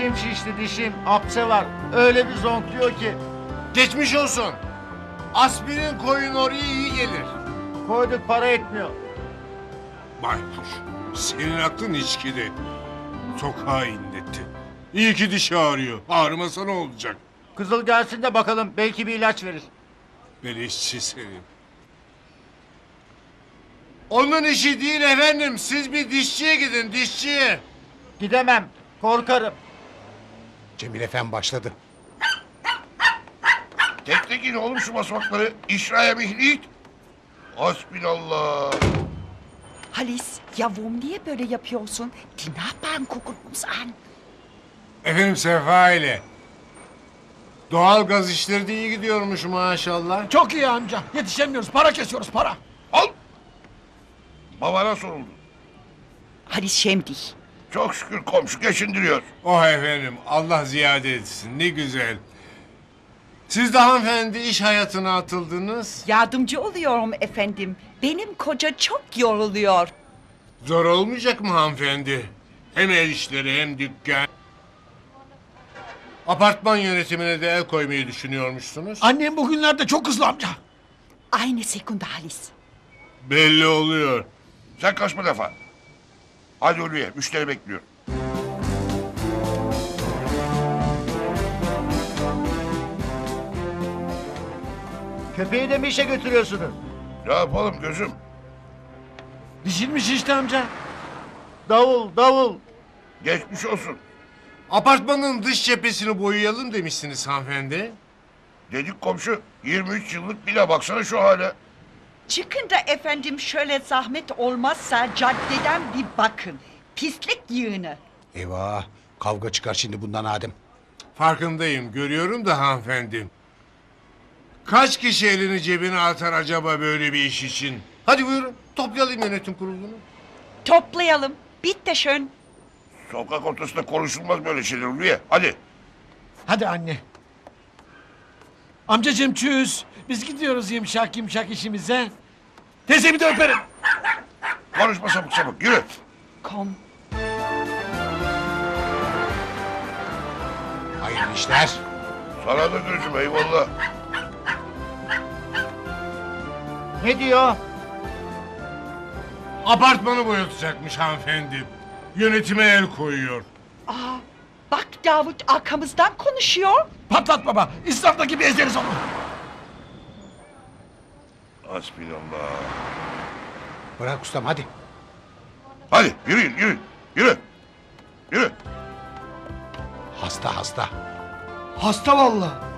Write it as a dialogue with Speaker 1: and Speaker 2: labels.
Speaker 1: Dişim şişti dişim. Apse var. Öyle bir zonkluyor ki.
Speaker 2: Geçmiş olsun. Aspirin koyun oraya iyi gelir.
Speaker 1: Koyduk para etmiyor.
Speaker 2: Baykuş, senin aklın içkide. Sokağa inletti. İyi ki dişi ağrıyor. Ağrımasa ne olacak?
Speaker 1: Kızıl gelsin de bakalım. Belki bir ilaç verir.
Speaker 2: Beleşçi senin. Onun işi değil efendim. Siz bir dişçiye gidin, dişçiye.
Speaker 1: Gidemem. Korkarım.
Speaker 3: Cemil Efendi başladı.
Speaker 4: Teklekin oğlum şu basamakları. İşraya mihlit. Hasbinallah.
Speaker 5: Halis, yavrum niye böyle yapıyorsun? Die Nachbarn gucken uns an.
Speaker 2: Efendim Sefa ile. Doğal gaz işleri de iyi gidiyormuş maşallah.
Speaker 6: Çok iyi amca. Yetişemiyoruz. Para kesiyoruz para.
Speaker 4: Al. Babana soruldu.
Speaker 5: Halis, schäm dich.
Speaker 4: Çok şükür komşu geçindiriyor.
Speaker 2: Oh efendim Allah ziyade etsin ne güzel. Siz de hanımefendi iş hayatına atıldınız.
Speaker 5: Yardımcı oluyorum efendim. Benim koca çok yoruluyor.
Speaker 2: Zor olmayacak mı hanımefendi? Hem el işleri hem dükkan. Apartman yönetimine de el koymayı düşünüyormuşsunuz.
Speaker 6: Annem bugünlerde çok hızlı amca.
Speaker 5: Eine Sekunde Halis.
Speaker 2: Belli oluyor.
Speaker 4: Sen kaçma defa. Hadi Ulviye müşteri bekliyor.
Speaker 1: Köpeği de mi işe götürüyorsunuz?
Speaker 4: Ne yapalım gözüm?
Speaker 6: Dişilmiş işte amca.
Speaker 1: Davul davul.
Speaker 4: Geçmiş olsun.
Speaker 2: Apartmanın dış cephesini boyayalım demişsiniz hanımefendi.
Speaker 4: Dedik komşu 23 yıllık bile baksana şu hale.
Speaker 5: Çıkın da efendim şöyle zahmet olmazsa caddeden bir bakın. Pislik yığını.
Speaker 3: Eyvah, kavga çıkar şimdi bundan Adem.
Speaker 2: Farkındayım görüyorum da hanımefendi. Kaç kişi elini cebine atar acaba böyle bir iş için? Hadi buyurun toplayalım yönetim kurulunu.
Speaker 5: Toplayalım. Bitte schön.
Speaker 4: Sokak ortasında konuşulmaz böyle şeyler Ulviye. Hadi.
Speaker 6: Hadi anne. Amcacığım çüz. Biz gidiyoruz yumuşak yumuşak işimize. Teyzemi de öperim.
Speaker 4: Konuşma sapık sapık yürü.
Speaker 5: Komm.
Speaker 3: Hayırlı işler.
Speaker 4: Sana da gözüm eyvallah.
Speaker 1: Ne diyor?
Speaker 2: Apartmanı boyatacakmış hanımefendi. Yönetime el koyuyor.
Speaker 5: Aa, bak Davut arkamızdan konuşuyor.
Speaker 6: Patlat baba. İsrafta gibi ezeriz onu.
Speaker 4: Hasbinallah.
Speaker 3: Bırak ustam hadi.
Speaker 4: Hadi yürüyün yürü. Yürü. Yürü.
Speaker 3: Hasta hasta.
Speaker 6: Hasta vallahi.